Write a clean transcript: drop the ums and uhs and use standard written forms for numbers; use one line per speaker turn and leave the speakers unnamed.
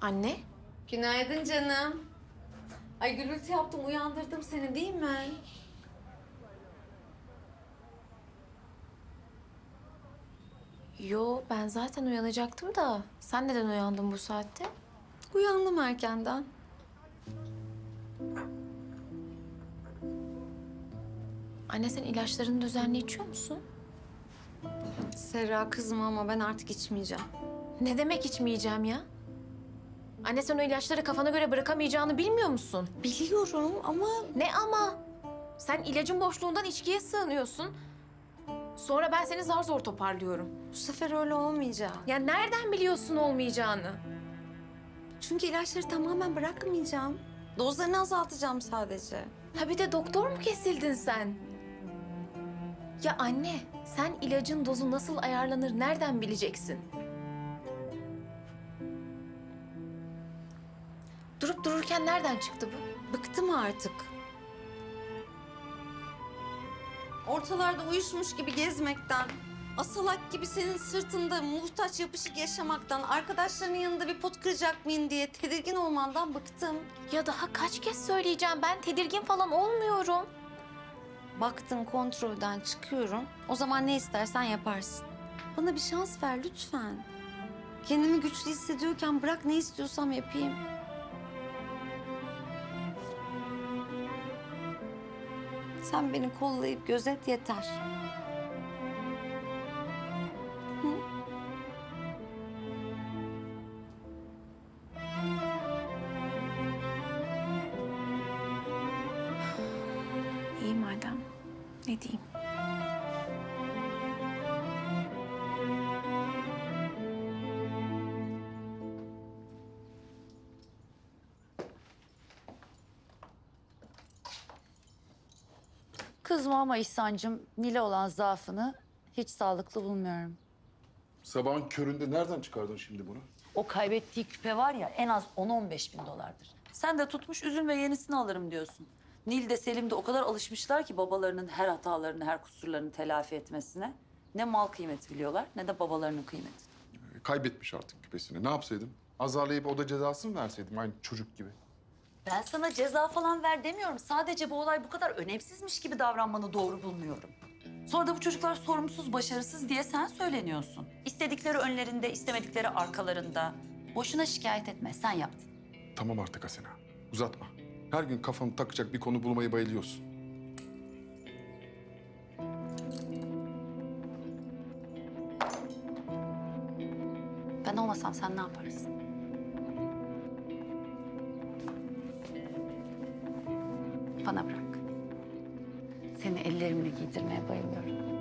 Anne?
Günaydın canım. Ay gürültü yaptım, uyandırdım seni değil mi?
Yo, ben zaten uyanacaktım da. Sen neden uyandın bu saatte?
Uyandım erkenden.
Anne, sen ilaçlarını düzenli içiyor musun?
Serra kızma ama ben artık içmeyeceğim.
Ne demek içmeyeceğim ya? Anne, sen o ilaçları kafana göre bırakamayacağını bilmiyor musun?
Biliyorum ama
Ne ama? Sen ilacın boşluğundan içkiye sığınıyorsun. Sonra ben seni zar zor toparlıyorum.
bu sefer öyle olmayacak.
Ya nereden biliyorsun olmayacağını?
Çünkü ilaçları tamamen bırakmayacağım. Dozlarını azaltacağım sadece.
Ha bir de doktor mu kesildin sen? Ya anne, sen ilacın dozu nasıl ayarlanır nereden bileceksin? Durup dururken nereden çıktı bu?
Bıktım artık. Ortalarda uyuşmuş gibi gezmekten, asalak gibi senin sırtında muhtaç yapışık yaşamaktan, arkadaşlarının yanında bir pot kıracak mıyım diye tedirgin olmandan bıktım.
Ya daha kaç kez söyleyeceğim, ben tedirgin falan olmuyorum.
Baktın kontrolden çıkıyorum, o zaman ne istersen yaparsın. Bana bir şans ver lütfen. Kendimi güçlü hissediyorken bırak ne istiyorsam yapayım. Sen beni kollayıp gözet yeter. Hı?
İyi madem, ne diyeyim?
Kızma ama İhsan'cığım, Nil'e olan zaafını hiç sağlıklı bulmuyorum.
Sabahın köründe nereden çıkardın şimdi bunu?
O kaybettiği küpe var ya en az 10-15 bin dolardır. Sen de tutmuş üzülme yenisini alırım diyorsun. Nil de Selim de o kadar alışmışlar ki babalarının her hatalarını, her kusurlarını telafi etmesine. Ne mal kıymeti biliyorlar ne de babalarının kıymeti.
Kaybetmiş artık küpesini. Ne yapsaydım? Azarlayıp o da cezasını mı verseydim aynı çocuk gibi?
Ben sana ceza falan ver demiyorum. Sadece bu olay bu kadar önemsizmiş gibi davranmanı doğru bulmuyorum. Sonra da bu çocuklar sorumsuz, başarısız diye sen söyleniyorsun. İstedikleri önlerinde, istemedikleri arkalarında. Boşuna şikayet etme, sen yaptın.
Tamam artık Asena. Uzatma. Her gün kafanı takacak bir konu bulmayı bayılıyorsun.
Ben olmasam sen ne yaparsın? Bana bırak. Seni ellerimle giydirmeye bayılıyorum.